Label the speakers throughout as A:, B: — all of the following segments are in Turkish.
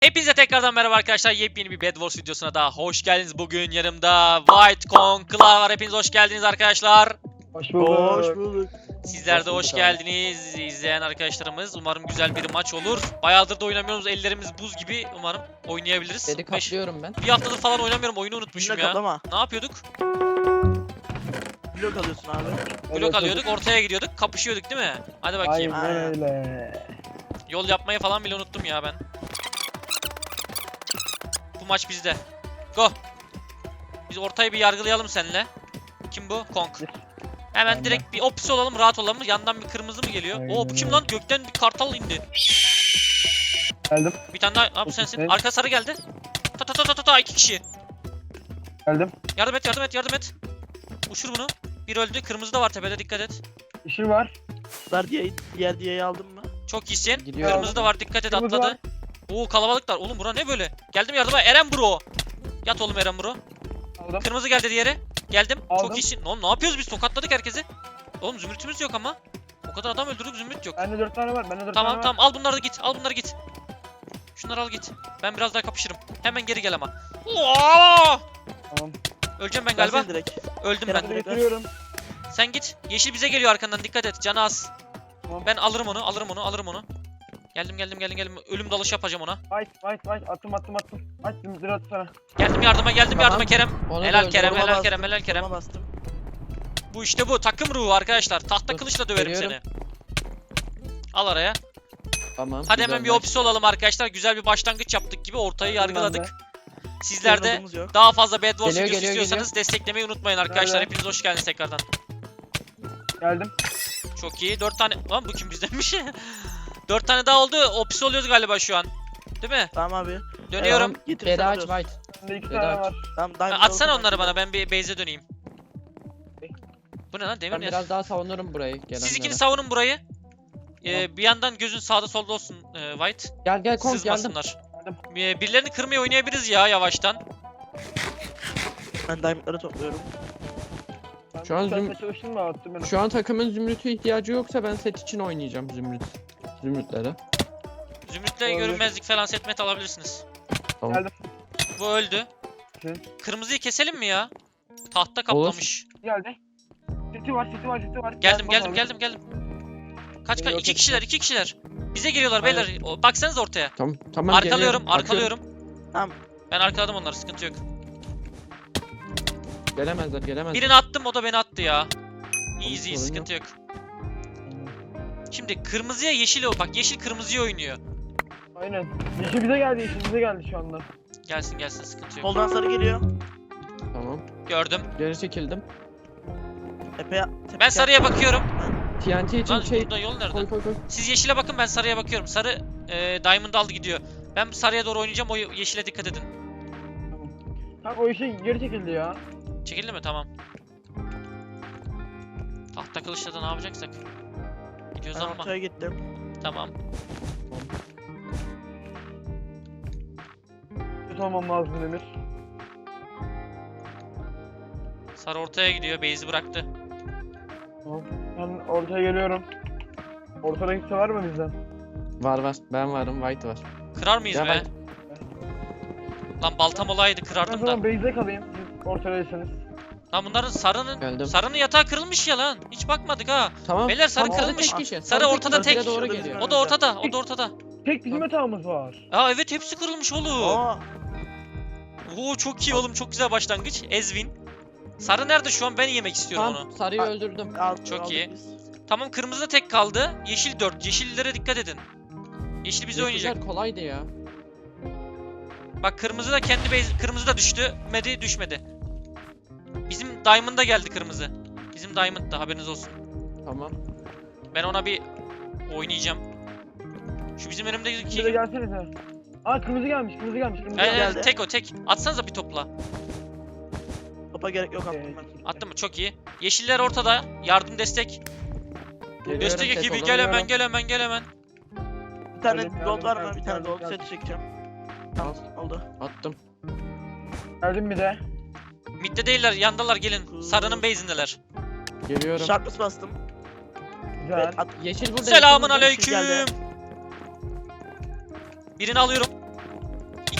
A: Hepinize tekrardan merhaba arkadaşlar. Yepyeni bir Bed Wars videosuna daha hoş geldiniz. Bugün yanımda White Conclaw var. Hepiniz hoş geldiniz arkadaşlar.
B: Hoş bulduk.
C: Hoş bulduk.
A: Sizler de
B: Hoş
A: hoş
B: bulduk
A: geldiniz izleyen arkadaşlarımız. Umarım güzel bir maç olur. Bayağıdır da oynamıyoruz. Ellerimiz buz gibi. Umarım oynayabiliriz.
D: Dedi kaplıyorum ben.
A: Bir haftadır falan oynamıyorum. Oyunu unutmuşum
C: Blok
A: ya.
C: atlama.
A: Ne yapıyorduk?
C: Blok alıyorsun abi.
A: Blok alıyorduk, ortaya gidiyorduk, kapışıyorduk değil mi? Hadi bakayım.
B: Aynen öyle.
A: Yol yapmayı falan bile unuttum ya ben. Bu maç bizde. Go. Biz ortayı bir yargılayalım seninle. Kim bu? Kong. Hemen
B: Ben
A: direkt bir opsi olalım, rahat olalım. Yandan bir kırmızı mı geliyor?
B: Aynen
A: Oo bu kim
B: öyle.
A: lan? Gökten bir kartal indi.
B: Geldim.
A: Bir tane daha. Abi sensin.
B: Evet.
A: Arka sarı geldi. Ta ta ta ta ta ta 2 kişi.
B: Geldim.
A: Yardım et, yardım et, yardım et. Uçur bunu. Bir öldü. Kırmızı da var tepede, dikkat et.
B: İşim var.
C: Diğer diyeyi aldın mı?
A: Çok iyisin.
D: Gidiyorum.
A: Kırmızı da var, dikkat et,
B: Kırmızı
A: atladı. Oo kalabalıklar. Oğlum bura ne böyle? Geldim yardıma. Eren bro. Yat oğlum Eren bro.
B: Aldım.
A: Kırmızı geldi diğeri. Geldim.
B: Aldım.
A: Çok iyisin. Oğlum ne yapıyoruz biz? Tokatladık herkesi. Oğlum zümrütümüz yok ama. O kadar adam öldürdük, zümrüt yok.
B: Bende 4 tane var. Bende 4
A: Tamam
B: tane
A: tamam, al bunları da git. Al bunları git. Şunları al git. Ben biraz daha kapışırım. Hemen geri gel ama. Oo!
B: var. Tamam.
A: Öleceğim ben galiba.
C: Versene direkt.
A: Öldüm
C: Kerem
A: ben.
C: direkt ver.
B: Getiriyorum.
A: Sen git. Yeşil bize geliyor arkandan. Dikkat et. Canı az.
B: Tamam.
A: Ben alırım onu. Alırım onu. Alırım onu. Geldim. Ölüm dalışı yapacağım ona.
B: Fight. Attım. Attım. Dur at sana.
A: Geldim yardıma.
D: Tamam.
A: Yardıma Kerem.
D: Onu da
A: Helal
D: öldürdüm.
A: Kerem.
C: Koruma
A: Helal
C: bastım,
A: Kerem. Helal Kerem.
C: koruma bastım.
A: Bu işte bu. Takım ruhu arkadaşlar. Tahta
D: Dur,
A: kılıçla döverim
D: geliyorum.
A: seni. Al araya.
D: Tamam.
A: Hadi hemen
D: güzel
A: bir
D: maç.
A: opsi olalım arkadaşlar. Güzel bir başlangıç yaptık gibi. Ortayı
B: Aynen
A: yargıladık. Sizler de
C: Yanımız yok.
A: daha fazla Bed Wars
D: Geliyor,
A: videosu
D: geliyor,
A: istiyorsanız desteklemeyi unutmayın arkadaşlar.
B: Nerede?
A: Hepiniz hoş geldiniz tekrardan.
B: Geldim.
A: Çok iyi. 4 tane... Lan bu kim bizdenmiş? 4 tane daha oldu. Opsi oluyoruz galiba şu an. Değil mi?
C: Tamam abi.
A: Dönüyorum.
C: Getir
D: Beda aç
C: alıyoruz.
D: White.
B: Bende 2
D: Vedat.
B: tane var.
C: Tamam,
A: Ha,
C: diamond
A: atsana
C: olsun
A: onları
C: ben.
A: bana. Ben bir base'e döneyim. Bu ne lan? Demir
D: Ben
A: ne?
D: biraz daha savunurum burayı.
A: Siz
D: gelenlere.
A: ikiniz savunun burayı.
D: Tamam.
A: Bir yandan gözün sağda solda olsun White.
D: Gel Kong geldim.
A: Sızmasınlar. Birilerini kırmaya oynayabiliriz ya yavaştan.
C: Ben diamondları topluyorum.
B: Ben
D: Şu an
B: sen
D: züm-
B: de çalıştın mı? Attım ben.
D: Şu an takımın zümrütü ihtiyacı yoksa ben set için oynayacağım zümrütlere.
A: Zümrüt'le
B: Olabilir.
A: görünmezlik falan setmet alabilirsiniz.
D: Tamam.
B: Geldim.
A: Bu öldü.
B: Hı.
A: Kırmızıyı keselim mi ya? Tahta kaplamış.
B: Geldi. Seti var.
A: Geldim.
B: Gel,
A: Kaç
B: Beni yok
A: 2
B: ettiler.
A: kişiler. Bize geliyorlar
C: Aynen.
A: beyler. Baksanız ortaya.
D: Tamam
A: Arkalıyorum.
D: geliyorum.
C: Tamam.
A: Ben arkaladım onları, sıkıntı yok.
D: Gelemezler.
A: Birini attım, o da beni attı ya. Easy,
D: sorun
A: sıkıntı yok. Şimdi kırmızıya yeşil o. Bak yeşil kırmızıya oynuyor.
B: Aynen. Yeşil bize geldi şu anda.
A: Gelsin sıkıntı yok.
C: Soldan sarı geliyor.
D: Tamam.
A: Gördüm.
D: Geri çekildim.
A: Ben sarıya bakıyorum.
D: TNT için
A: Lan
D: şey
A: burada yol nerede?
D: koy.
A: Siz yeşile bakın, ben sarıya bakıyorum. Sarı Diamond aldı gidiyor. Ben sarıya doğru oynayacağım, o yeşile dikkat edin.
B: Kanka o işe geri çekildi ya.
A: Çekildi mi? Tamam. Tahta kılıçla da ne yapacaksak. Gidiyoruz
C: Ben
A: ama.
C: ortaya gittim.
A: Tamam.
B: Kötü olmam lazım Demir.
A: Sarı ortaya gidiyor, base'i bıraktı.
B: Tamam. Ben ortaya geliyorum. Ortada kimse var mı bizden?
D: Var. Ben varım. White var.
A: Kırar mıyız
D: Ya
A: be?
D: ben-
A: Lan baltam olaydı
B: Ben
A: kırardım da.
B: zaman base'de kalayım. Siz ortadaysanız.
A: Lan bunların
D: Geldim.
A: sarının yatağı kırılmış ya lan. Hiç bakmadık ha.
D: Tamam.
A: Beyler, sarı
D: Tam ortada
A: kırılmış.
D: tek kişi.
A: Sarı ortada tek.
D: bize doğru
C: Şurada
D: geliyor.
C: bizim
A: O da ortada.
B: Tek bizim yatağımız var.
A: Aa evet, hepsi kırılmış oğlum.
C: Aa,
A: Oo çok iyi oğlum, çok güzel başlangıç. Ezvin. Sarı nerede şu an? Ben yemek istiyorum onu.
D: Tamam. Sarıyı öldürdüm.
A: Çok
C: aldık
A: iyi.
C: biz.
A: Tamam, kırmızı da tek kaldı. Yeşil 4. Yeşillere dikkat edin. Yeşil bize oynayacak.
D: Yeşiller kolaydı ya.
A: Bak kırmızı da kendi base, kırmızı da düşmedi. Bizim Diamond'a geldi kırmızı. Bizim Diamond'da, haberiniz olsun.
D: Tamam.
A: Ben ona bir oynayacağım. Şu bizim
B: Bir de
A: önümdeki...
B: gelsenize. Aa kırmızı gelmiş.
C: geldi.
A: Tek o tek. Atsanıza bir topla.
C: Topa gerek yok attım ben.
A: Attın mı? Çok iyi. Yeşiller ortada. Yardım, destek.
D: Geliyorum,
A: Destek
D: set
A: ekibi,
D: olamıyorum.
A: gel hemen.
C: Bir tane
B: Geldim,
C: gold var mı?
B: geldim,
C: Bir tane
B: geldim,
C: gold
B: geldim.
C: set çekeceğim. Tamam oldu.
D: Attım.
B: Geldim bir de.
A: Midde değiller, yandalar, gelin. Sarının base'indeler.
D: Geliyorum.
C: Sharpness bastım.
B: Güzel.
C: Evet,
D: Yeşil burada.
A: Selamun
D: yeşil burada.
A: aleyküm.
C: geldi.
A: Birini alıyorum.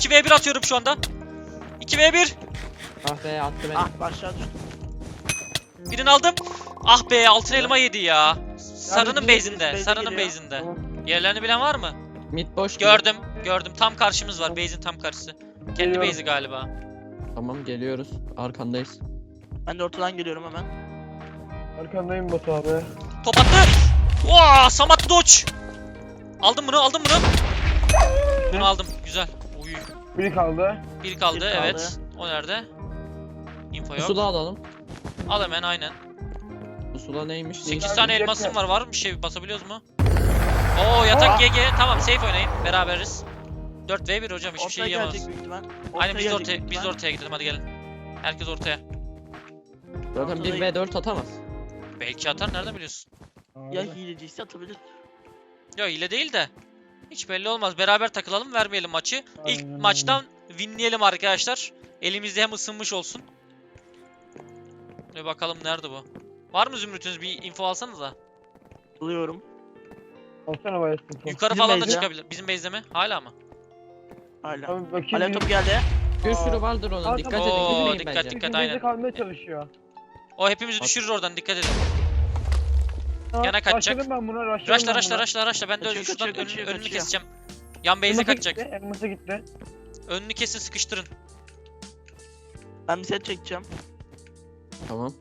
A: 2v1 atıyorum şu anda. 2v1.
D: Ah be attı beni.
C: Ah aşağı düştüm.
A: Birini aldım. Ah be altın elma yedi ya. Sarının
C: birisi
A: base'inde.
C: base'e
A: Sarının
C: geliyor.
A: base'inde.
B: Tamam.
A: Yerlerini bilen var mı?
D: Mid boş gibi.
A: Gördüm. Gördüm. Tam karşımız var. Base'in tam karşısı. Kendi
B: Geliyorum.
A: base'i galiba.
D: Tamam geliyoruz. Arkandayız.
C: Ben de ortadan geliyorum hemen.
B: Arkandayım Batu abi.
A: Top attı. Vaa, Samat Doç. Aldım bunu, aldım bunu. Bunu aldım. Güzel. Uy.
B: Biri kaldı.
A: Bir kaldı,
C: Bir kaldı.
A: evet. O nerede? Info yok.
D: Pusula alalım.
A: Al hemen aynen.
D: Pusula neymiş?
A: 8
B: Ya,
A: tane
B: bir
A: elmasım
B: dakika.
A: var bir şey basabiliyoruz mu? Oo yatak GG. Tamam safe oynayın. Beraberiz. 4v1 hocam hiçbir şey
C: Ortaya
A: yiyemez.
C: gelecek büyük ihtimal.
A: Aynen biz de
C: gelecek
A: ortaya,
C: büyük
A: biz de
C: ihtimal.
A: ortaya gidelim hadi gelin. Herkes ortaya.
D: Zaten
C: Ortada-
D: 1v4 atamaz.
A: Belki atar nereden biliyorsun?
C: Ya hileciyse atabilir.
A: Yok hile değil de. Hiç belli olmaz. Beraber takılalım vermeyelim maçı. İlk
B: Aynen öyle.
A: maçtan winleyelim arkadaşlar. Elimizde hem ısınmış olsun. Bir bakalım nerede bu? Var mı Zümrüt'ünüz bir info alsanıza.
C: Buluyorum.
B: Alsana bayasın.
A: Yukarı
C: Bizim
A: falan da
C: base'e.
A: çıkabilir. Bizim base'de mi? Hala mı?
C: Hala.
B: Abi bakayım.
C: Alev topu geldi.
D: Bir sürü vardır onun.
B: Aa,
D: Dikkat
B: tamam.
D: edin.
A: Oo,
D: Gitmeyin
A: dikkat,
D: bence.
A: dikkat.
B: Bizim
A: aynen.
B: base'de kalmaya çalışıyor.
A: O hepimizi düşürür oradan dikkat edin.
B: Ha,
A: Yana kaçacak.
B: Rushladım ben buna.
A: Raşla. Ben de
C: Kaçıyor,
A: şuradan
C: kaçıyor, kaçıyor,
A: önünü
C: kaçıyor.
A: keseceğim. Yan base'e kaçacak.
B: Elmas'a gitti.
A: Önünü kesin sıkıştırın.
C: Ben bir set çekeceğim.
D: Tamam.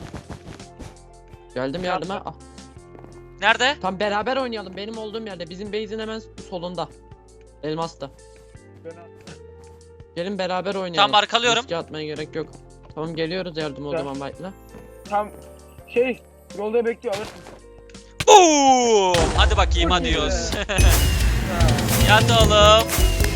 D: Geldim yardıma. Ah,
A: Nerede?
D: tam beraber oynayalım. Benim olduğum yerde. Bizim base'in hemen solunda. Elmas'ta. Gelin beraber oynayalım.
A: Tamam, arkalıyorum.
D: Riske atmaya gerek yok. Tamam geliyoruz yardıma o
B: Güzel.
D: zaman White'la.
B: Tam yolda bekliyor alırsın.
A: Boom! Hadi bakayım
B: Çok
A: hadi
B: iyi
A: yiyoruz.
B: be.
A: Yat oğlum.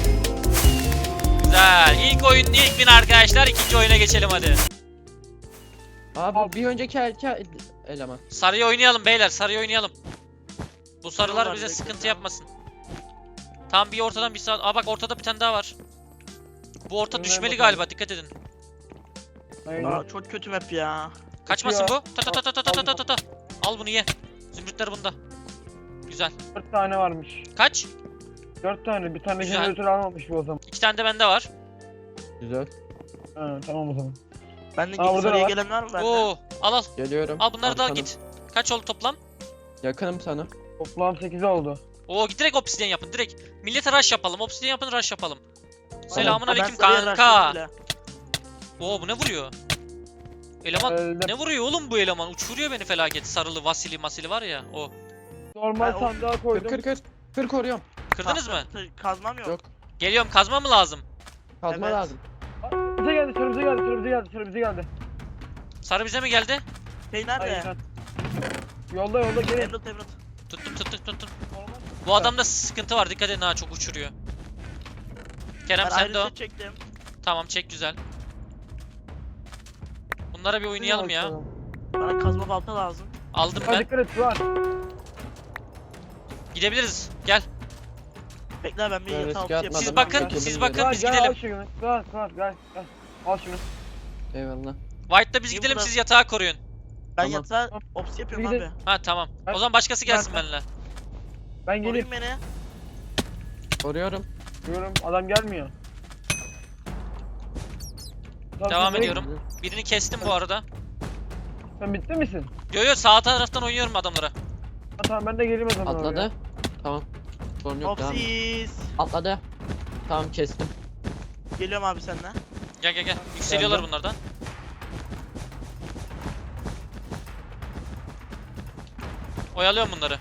A: Güzel. İlk oyun ilk win arkadaşlar. İkinci oyuna geçelim hadi.
D: Abi bir önceki eleman.
A: Sarıya oynayalım beyler. Sarıya oynayalım. Bu sarılar
C: Tamam,
A: bize
C: bekle,
A: sıkıntı
C: tamam.
A: yapmasın. Tam bir ortadan bir sağ. Aa bak ortada bir tane daha var. Bu orta
B: Önüne
A: düşmeli
B: bakalım.
A: galiba. Dikkat edin.
B: Aynen.
C: Aa, çok kötü map ya.
A: Kaçmasın
B: Kaçıyor.
A: bu. Ta ta ta ta ta ta ta ta. Al bunu ye. Zümrütler bunda. Güzel.
B: 4 tane varmış.
A: Kaç?
B: 4 tane. Bir tane
A: Güzel.
B: jeneratör almamış bu o zaman.
A: 2 tane de bende var.
D: Güzel.
B: Ha, tamam o zaman.
C: Bendeki
B: Aa, burada
C: sarıya
B: var.
C: gelen var mı bende?
A: Oo, al.
D: Geliyorum.
A: Al bunları da al
D: Arkanım.
A: git. Kaç oldu toplam?
D: Yakınım sana.
B: Toplam 8 oldu.
A: Oo direkt obsidyen yapın direkt. Millete rush yapalım. Obsidyen yapın rush yapalım. Selamun
C: Ha, ben
A: aleyküm
C: sarıya
A: kanka.
C: rushladım bile.
A: Oo bu ne vuruyor? Eleman
B: Elde
A: ne vuruyor oğlum bu eleman? Uçuruyor beni felaket. Sarılı Vasili masili var ya o.
B: normal
C: Ben o-
B: sandığa
D: Kır
B: koydum.
D: kır kır. Kır koruyorum.
A: Kırdınız mı?
C: Kazmam yok.
D: Yok.
A: Geliyorum kazma mı lazım?
D: Kazma
C: Evet.
D: lazım.
B: Bize geldi, sıra bize geldi.
A: Sarı bize mi geldi?
C: Şey nerede?
B: Aynen. Yolda gelin.
C: Emerald.
A: Tuttum. Bu adamda sıkıntı var. Dikkat edin ha çok uçuruyor. Kerem
C: Ben
A: sen
C: ayrı
A: de o.
C: set çektim.
A: Tamam çek güzel. Bunlara bir oynayalım ya.
C: Bana kazma balta lazım.
A: Aldım
B: Ha,
A: ben.
B: dikkat et var.
A: Gidebiliriz. Gel.
C: Bekle ben bir
D: Ben riske
C: yatağı
D: atmadım.
C: yapayım.
A: Siz bakın,
D: Yakınım
A: siz
D: yere.
A: bakın
B: Gel
A: biz
B: gel
A: gidelim.
B: al şunu. Gel. Al şunu.
D: Eyvallah.
A: White'da biz
C: İyi
A: gidelim
C: burada.
A: siz yatağı koruyun.
C: Ben
D: Tamam.
C: yatağı ops yapıyorum
B: Bir
C: abi.
B: de-
A: Ha tamam.
B: Ben-
A: O zaman başkası gelsin
B: ben-
A: benimle.
B: Ben geleyim.
C: Koruyun beni.
D: Koruyorum.
B: Diyorum adam gelmiyor. Lan
A: Devam
B: sen
A: ediyorum. Birini kestim bu arada.
B: Sen bitti misin?
A: Yo sağ taraftan oynuyorum adamlara.
B: Ha, tamam ben de geleyim o zaman oraya.
D: Atladı. Tamam. Sorun yok devam. et.
C: Opsiz.
D: Atladı. Tamam kestim.
C: Geliyorum abi senden.
A: Gel. Yükseliyorlar
B: Geldim.
A: bunlardan. Oyalıyorum bunları.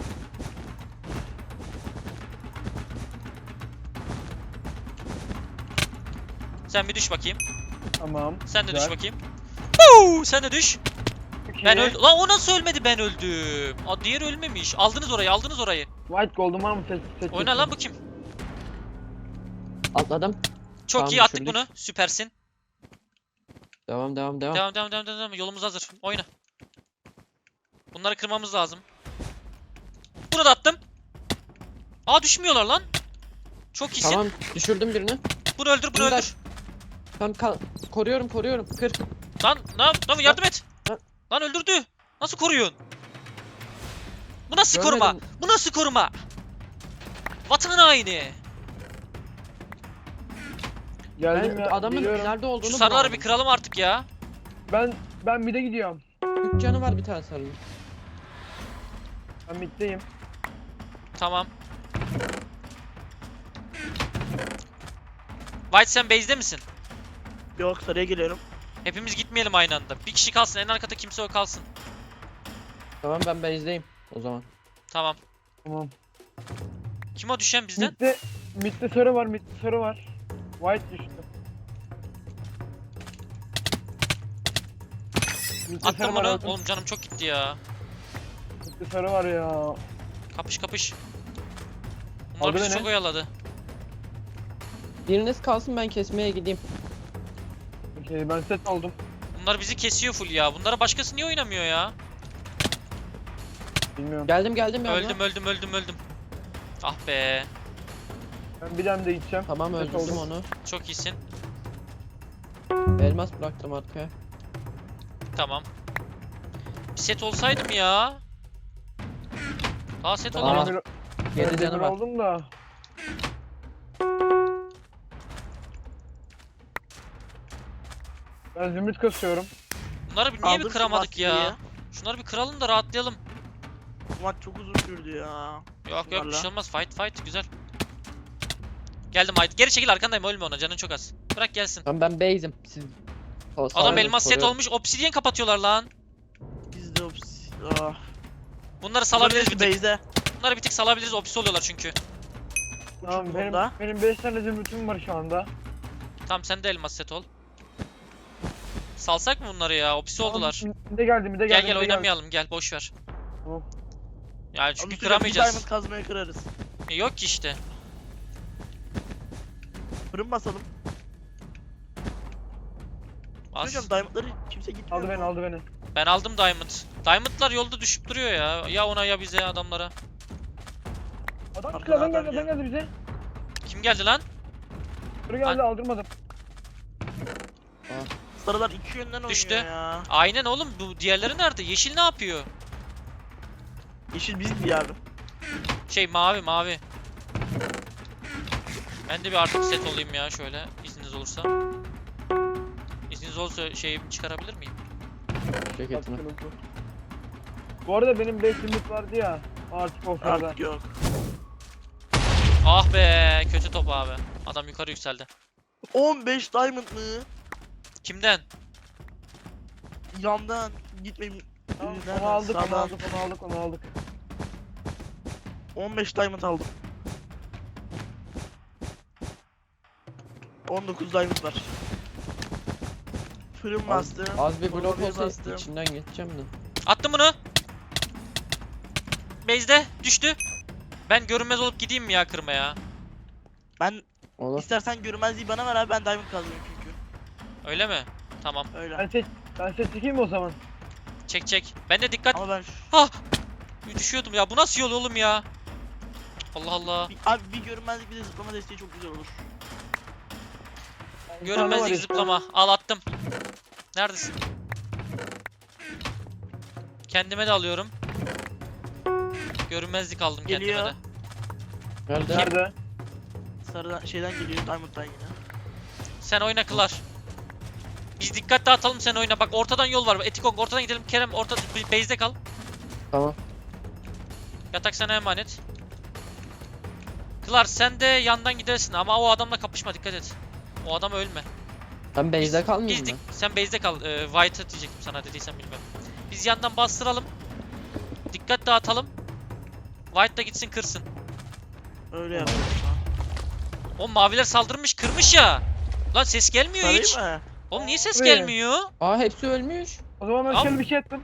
A: Sen bir düş bakayım.
B: Tamam.
A: Sen de düş
B: güzel.
A: bakayım. Huu, sen de düş.
B: Çok
A: Ben
B: iyi.
A: öldüm. Lan o nasıl ölmedi ben öldüm. Aa, diğeri ölmemiş. Aldınız orayı.
B: White gold'um var mı? Seç.
A: Oyna lan bu kim?
D: Atladım.
A: Çok
D: Tamam,
A: iyi attık
D: düşürdük.
A: bunu. Süpersin.
D: Devam.
A: Devam. Yolumuz hazır. Oyna. Bunları kırmamız lazım. Bunu da attım. Aa düşmüyorlar lan. Çok iyisin.
D: Tamam düşürdüm birini.
A: Bunu öldür.
D: Bunu da- Tamam koruyorum. Kır.
A: Lan yardım et.
D: Lan.
A: Lan öldürdü. Nasıl koruyorsun? Bu nasıl koruma?
D: Görmedim.
A: Bu nasıl koruma? Vatan haini.
B: Geldim
D: Ben
B: ya.
D: adamın
B: geliyorum.
D: nerede olduğunu
A: Şu sarıları
D: bulamadım.
A: bir kıralım artık ya.
B: Ben mid'e gidiyorum.
D: 3 canı var bir tane sarının.
B: Ben mid'deyim.
A: Tamam. White sen base'de misin?
C: Yok, sarıya geliyorum.
A: Hepimiz gitmeyelim aynı anda. Bir kişi kalsın, en arkada kimse o kalsın.
D: Tamam ben base'deyim o zaman.
A: Tamam.
B: Tamam.
A: Kim o düşen bizden?
B: Mid'de sarı var, mid'de sarı var. White düştü. Mid'de sarı
A: Attım
B: var,
A: bunu.
B: aldım.
A: Oğlum canım çok gitti ya.
B: Mid'de sarı var ya.
A: Kapış kapış. Bunlar
B: Aldı
A: bizi
B: beni.
A: çok oyaladı.
D: Biriniz kalsın ben kesmeye gideyim.
B: Okey, ben set oldum.
A: Bunlar bizi kesiyor full ya. Bunlara başkası niye oynamıyor ya?
B: Bilmiyorum.
D: Geldim yanına.
A: Öldüm. Ah be.
B: Ben bir tane de gideceğim.
D: Tamam
B: Set
D: öldürdüm
B: oldum.
D: onu.
A: Çok iyisin.
D: Elmas bıraktım arkaya.
A: Tamam. Bir set olsaydım ya. Daha set
D: Tamam.
A: olamadım.
B: Ben
D: 7
B: demir
D: canı var.
B: oldum da. Ben zümrüt kasıyorum.
A: Bunları niye bir
C: Aldım
A: kıramadık
C: şu
A: ya?
C: maskeyi.
A: Şunları bir kıralım da rahatlayalım.
C: Bu maç çok uzun sürdü ya.
A: Yok bir
C: Bunlarla.
A: şey olmaz. Fight güzel. Geldim Ait. Geri çekil arkandayım, ölme ona, canın çok az. Bırak gelsin.
D: Tamam ben base'im. Siz...
A: Adam elmas set olmuş, obsidian kapatıyorlar lan.
C: Biz de
A: Bunları salabiliriz bir tık.
C: Base'de.
A: Bunları bir tık salabiliriz, obsi oluyorlar çünkü.
B: Tamam,
C: Uçuk
B: benim
C: onda.
B: 5 tane zümrütüm var şu anda.
A: Tamam sen de elmas set ol. Salsak mı bunları ya? Obsi oldular.
B: Mide geldi, mide
A: Gel
B: geldi.
A: gel
B: mide geldi.
A: oynamayalım, gel boş ver.
B: Tamam.
A: Yani çünkü
C: Çünkü
A: kıramayacağız.
C: Diamond kazmaya kırarız.
A: Yok ki işte.
C: Fırın basalım.
A: Az.
C: Hocam diamondları kimse gitmiyor.
B: Aldı beni,
C: mu?
B: aldı beni.
A: Ben aldım diamond. Diamondlar yolda düşüp duruyor ya. Ya ona ya bize adamlara.
B: Adam
C: Arkada
B: adam
C: adam
B: geldi, adam geldi bize.
A: Kim geldi lan?
B: Sarı geldi, aldırmadım.
C: Sarılar iki yönden
A: Düştü.
C: oynuyor ya.
A: Aynen oğlum, bu diğerleri nerede? Yeşil ne yapıyor?
C: Yeşil biz diye abi.
A: Şey mavi. Ben de bir artık set olayım ya şöyle, izniniz olursa. İzniniz olursa şeyi çıkarabilir miyim?
D: Ceketini.
B: Bu arada benim 5 zümrüt vardı ya. Artık o sırada.
C: Artık yok.
A: Ah be, kötü top abi. Adam yukarı yükseldi.
C: 15 diamond mı?
A: Kimden?
C: Yandan gitmeyin.
B: Tamam,
C: Nereden?
B: onu aldık, onu
C: Sağdan.
B: aldık, onu aldık, onu aldık.
C: 15 diamond aldım. 19 diamond var. Fırın bastım.
D: Az bir blok
C: Oraya
D: olsa
C: bastım.
D: içinden geçeceğim de.
A: Attım bunu. Base'de düştü. Ben görünmez olup gideyim mi ya kırmaya?
C: Ben
D: Olur.
C: istersen görmezliği bana ver abi, ben diamond kazıyorum çünkü.
A: Öyle mi? Tamam.
C: Öyle.
B: Ben set çekeyim mi o zaman?
A: Çek. Ben de dikkat.
C: Ama ben
A: Düşüyordum ya. Bu nasıl yol oğlum ya? Allah Allah.
C: abi bir görünmezlik bir de zıplama desteği çok güzel olur.
B: Bir tane var
A: Görünmezlik
B: işte.
A: zıplama. Al attım. Neredesin? Kendime de alıyorum. Görünmezlik aldım
C: Geliyor.
A: kendime de.
D: Nerede?
B: Nerede?
C: Sarıdan şeyden geliyor, diamond'dan yine.
A: Sen oyna Kılar. Biz dikkat dağıtalım, sen oyna. Bak ortadan yol var. Etikong ortadan gidelim. Kerem orta base'de kal.
D: Tamam.
A: Yatak sana emanet. Kılar sen de yandan gidersin ama o adamla kapışma, dikkat et. O adama ölme.
D: Ben base'de
A: Biz
D: kalmayayım mı?
A: sen base'de kal. White'ı diyecektim sana, dediysem bilmiyorum. Biz yandan bastıralım. Dikkat dağıtalım. White da gitsin kırsın.
C: Öyle yapıyorum.
A: O maviler saldırmış, kırmış ya. Lan ses gelmiyor hiç.
C: Sarayım mı?
A: Oğlum niye ses
B: Abi.
A: gelmiyor?
D: Aa hepsi ölmüş.
B: O zaman ben
A: Tamam.
B: şöyle bir şey ettim.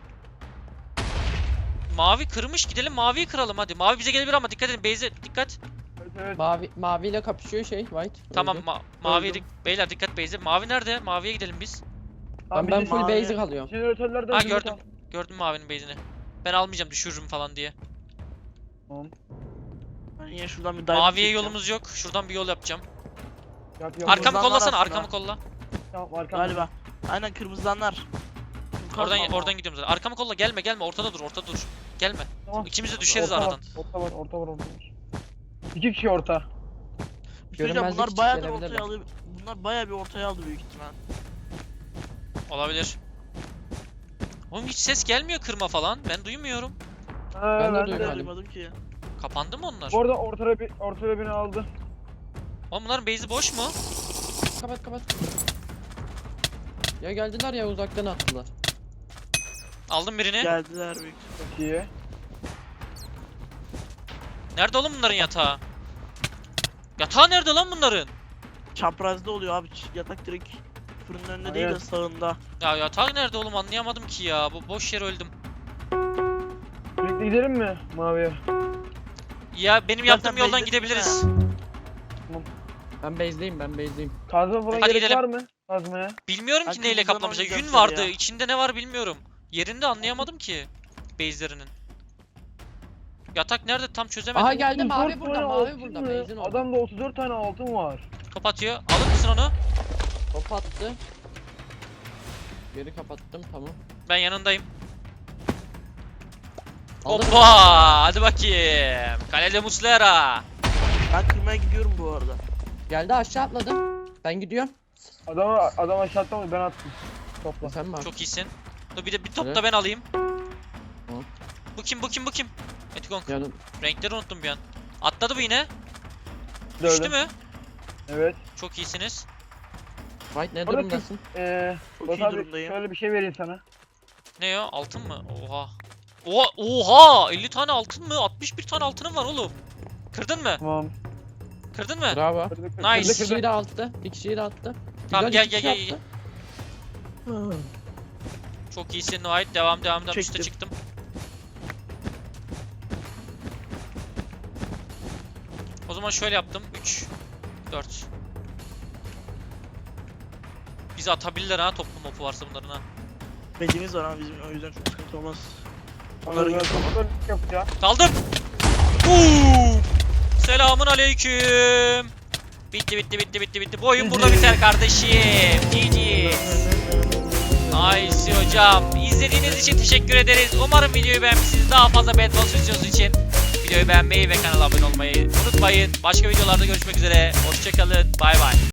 A: Mavi kırmış, gidelim maviyi kıralım hadi. Mavi bize gelebilir ama dikkat edin, base'e dikkat.
B: Evet.
D: Maviyle kapışıyor white.
A: Tamam
D: Öldü.
A: maviye
B: Öldüm.
A: beyler dikkat base'e. Mavi nerede? Maviye gidelim biz.
B: Tamam,
D: Ben
B: bir de
D: full
C: mavi-
D: base'e kalıyorum.
B: jeneratörlerden
A: Ha
B: zümrüt
A: gördüm.
B: al.
A: Gördüm mavinin base'ini. Ben almayacağım, düşürürüm falan diye.
B: Tamam.
C: Ben yine şuradan bir diamond
A: Maviye
C: çekeceğim.
A: yolumuz yok. Şuradan bir yol yapacağım.
B: Yap.
A: Arkamı
C: Kırmızılar
A: kollasana,
C: aslında.
A: arkamı kolla.
B: Tamam, arkam.
C: Galiba. Aynen kırmızılanlar.
A: Oradan gidiyorum zaten. Arkamı kolla, gelme. Ortada dur. Gelme.
B: Tamam.
A: İkimiz de düşeriz
B: Orta var,
A: aradan.
B: Orta var. 2 kişi orta.
C: Bir şey diyeceğim,
D: Görünmezlik
C: bunlar
D: için
C: bayağıdır
D: gelebilirler.
C: ortaya alıyor. Bunlar bayağı bir ortaya aldı büyük ihtimal.
A: Olabilir. Oğlum hiç ses gelmiyor kırma falan. Ben duymuyorum.
B: Ha,
D: Ben de
C: Ben de
D: duymadım.
C: duymadım ki.
A: Kapandı mı onlar?
B: Bu arada ortada beni aldı.
A: Oğlum bunların base'i boş mu?
D: Kapat kapat. Ya geldiler ya uzaktan attılar.
A: Aldım birini.
C: Geldiler büyük.
B: Çok iyi.
A: Nerede oğlum bunların yatağı? Yatağı nerede lan bunların?
C: Çaprazda oluyor abi. Yatak direkt fırının önünde değil de
B: Aynen.
C: sağında.
A: Ya yatak nerede oğlum anlayamadım ki ya. Bu boş yere öldüm.
B: Birlikte gidelim mi maviye?
A: Ya benim
C: Zaten
A: yaptığım yoldan
C: base'desin
A: gidebiliriz.
D: Ben base'deyim ben base'deyim.
B: Kazma falan
A: Hadi
B: gerek
A: gidelim.
B: var mı? Kazmaya.
A: Bilmiyorum ki
C: Ben
A: neyle
C: kırmızıdan
A: kaplamışlar.
C: oynayacağım
A: Yün
C: sarıya.
A: vardı. İçinde ne var bilmiyorum. Yerinde anlayamadım ki. Base'lerinin. Yatak nerede tam çözemedim.
D: Aha geldi
B: 34
D: mavi
B: tane
D: burada mavi
B: altın
D: burada
B: mı?
D: base'in orada.
B: Adamda 34 tane altın var.
A: Kapatıyor. Alır mısın onu?
D: Top attı. Geri kapattım tamam.
A: Ben yanındayım.
D: Aldım.
A: Hoppa! Hadi bakayım. Kalede Muslera.
C: Ben kırmaya gidiyorum bu arada.
D: Geldi aşağı atladı. Ben gidiyorum.
B: Adam aşağı atlamadı, ben attım. Topla.
D: Sen mi?
A: Çok iyisin. Dur bir de bir top
D: Evet.
A: da ben alayım.
D: Tamam.
A: Bu kim bu kim bu kim? Etikong.
D: Yanım.
A: Renkleri unuttum bir an. Atladı bu yine.
B: Gördüm.
A: Düştü mü?
B: Evet.
A: Çok iyisiniz.
D: Fight ne
B: Orada
D: durumdasın?
C: Çok
B: Batu
C: iyi
B: abi
C: durumdayım.
B: şöyle bir şey vereyim sana.
A: Ne ya? Altın mı? Oha. Oha! Oha! 50 tane altın mı? 61 tane altınım var oğlum. Kırdın mı?
B: Tamam.
A: Kırdın mı?
D: Bravo.
B: Kırdı, kırdı,
A: Nice.
D: Bir
B: kırdı,
D: kişiyi
B: kırdı.
D: de attı. Bir kişiyi de attı.
A: Tamam,
D: Güzel,
A: gel,
D: iki
A: gel,
D: kişi
A: gel,
D: attı.
A: Çok iyisin White. Devam devam devam. Üste
C: Çektim.
A: çıktım. O zaman şöyle yaptım. 3 4. Bizi atabilirler ha, toplu mopu varsa bunların ha.
C: Bedimiz var ama bizim o yüzden çok sıkıntı olmaz.
B: Onları
C: Onların
B: ben kontrol yapacağım.
A: Daldım. Boom. Selamun aleyküm. Bitti bitti bitti bitti bitti. Bu oyun burada biter kardeşim. GG. Nice hocam. İzlediğiniz için teşekkür ederiz. Umarım videoyu beğenmişsiniz. Daha fazla Bedwars videosu için videoyu beğenmeyi ve kanala abone olmayı unutmayın. Başka videolarda görüşmek üzere. Hoşçakalın. Bay bay.